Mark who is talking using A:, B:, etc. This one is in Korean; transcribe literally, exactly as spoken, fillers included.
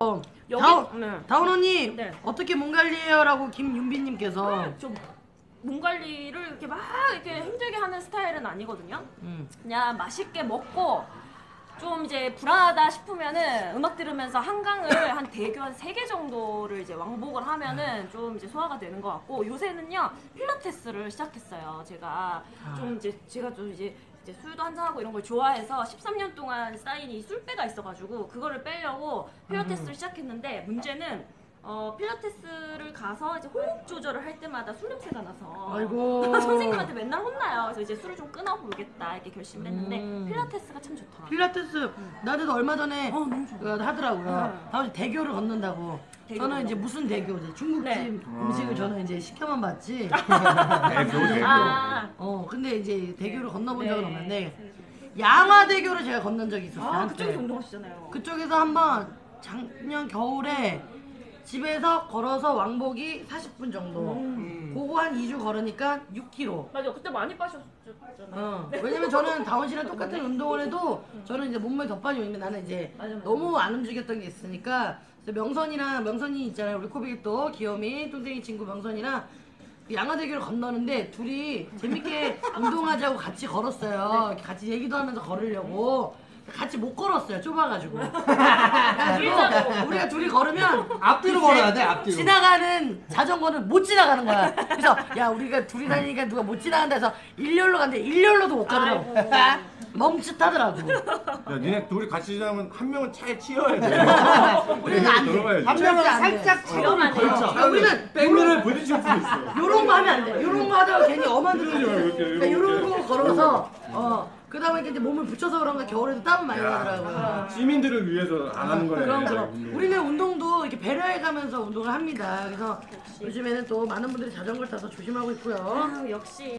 A: 어,
B: 여기
A: 다운,
B: 네.
A: 다운 언니
B: 네.
A: 어떻게 몸 관리해요? 라고 김윤비님께서
B: 좀몸 관리를 이렇게 막 이렇게 힘들게 하는 스타일은 아니거든요.
A: 음.
B: 그냥 맛있게 먹고 좀 이제 불안하다 싶으면은 음악 들으면서 한강을 한 대교 한 세 개 정도를 이제 왕복을 하면은 좀 이제 소화가 되는 것 같고 요새는요 필라테스를 시작했어요. 제가 좀 이제 제가 좀 이제 이제 술도 한잔하고 이런 걸 좋아해서 십삼 년 동안 쌓인 이 술배가 있어가지고 그거를 빼려고 필라테스를 시작했는데 문제는 어 필라테스를 가서 이제 호흡 조절을 할 때마다 술 냄새가 나서
A: 아이고.
B: 선생님한테 맨날 혼나요. 그래서 이제 술을 좀 끊어보겠다 이렇게 결심했는데
A: 음.
B: 필라테스가 참 좋더라고요.
A: 필라테스 나도 얼마 전에
B: 어, 너무 좋아요.
A: 어, 하더라고요.
B: 네.
A: 다음 대교를 걷는다고.
B: 대교
A: 저는 이제
B: 걷는다고.
A: 무슨 대교? 이제 중국집
B: 네.
A: 음식을 저는 이제 시켜만 봤지.
C: 대교 대교.
B: 아,
A: 어 근데 이제 대교를 건너본 적은
B: 네.
A: 없는데 양화대교를 제가 건넌 적이 있었어요.
B: 아
A: 한때.
B: 그쪽에서 운동하시잖아요.
A: 그쪽에서 한번 작년 겨울에 집에서 걸어서 왕복이 사십 분 정도.
B: 음.
A: 그거 한 이 주 걸으니까 육 킬로그램.
B: 맞아 그때 많이 빠셨잖아요.
A: 어. 왜냐면 저는 다원 씨랑 똑같은 운동을 해도 저는 이제 몸매 덧반이 오는데 나는 이제
B: 맞아, 맞아.
A: 너무 안 움직였던 게 있으니까 그래서 명선이랑 명선이 있잖아요. 우리 코빅이 또 귀요미 뚱땡이 친구 명선이랑 양화대교를 건너는데 둘이 재밌게 운동하자고 같이 걸었어요. 이렇게 같이 얘기도 하면서 걸으려고. 같이 못 걸었어요. 좁아가지고. 그래가지고 우리가 둘이 걸으면
D: 앞뒤로
A: 이제
D: 걸어야 돼, 앞뒤로.
A: 지나가는 자전거는 못 지나가는 거야. 그래서 야 우리가 둘이 다니니까 누가 못 지나간다 해서 일렬로 갔는데 일렬로도 못 가더라고. 멈칫하더라고.
C: 야, 니네 둘이 같이 지나면 한 명은 차에 치여야 돼.
A: 우리는 안 돼.
C: 들어가야지.
D: 한 명은
A: 절대 안 돼.
D: 살짝 차도를
B: 위험하네요.
D: 걸쳐.
A: 야, 우리는
C: 백미를 부딪힐 수 있어.
A: 요런 거 하면 안 돼. 요런 거 하다가 괜히 엄한 듯
C: 이러지 마, 이렇게,
A: 그러니까
C: 이렇게.
A: 요런 거 걸어서 어 그다음에 이제 몸을 붙여서 그런가 겨울에도 땀 많이 나더라고요.
C: 시민들을 위해서 안 하는 거네.
A: 그럼 그럼
C: 운동을.
A: 우리는 운동도 이렇게 배려해가면서 운동을 합니다. 그래서 요즘에는 또 많은 분들이 자전거를 타서 조심하고 있고요.
B: 아, 역시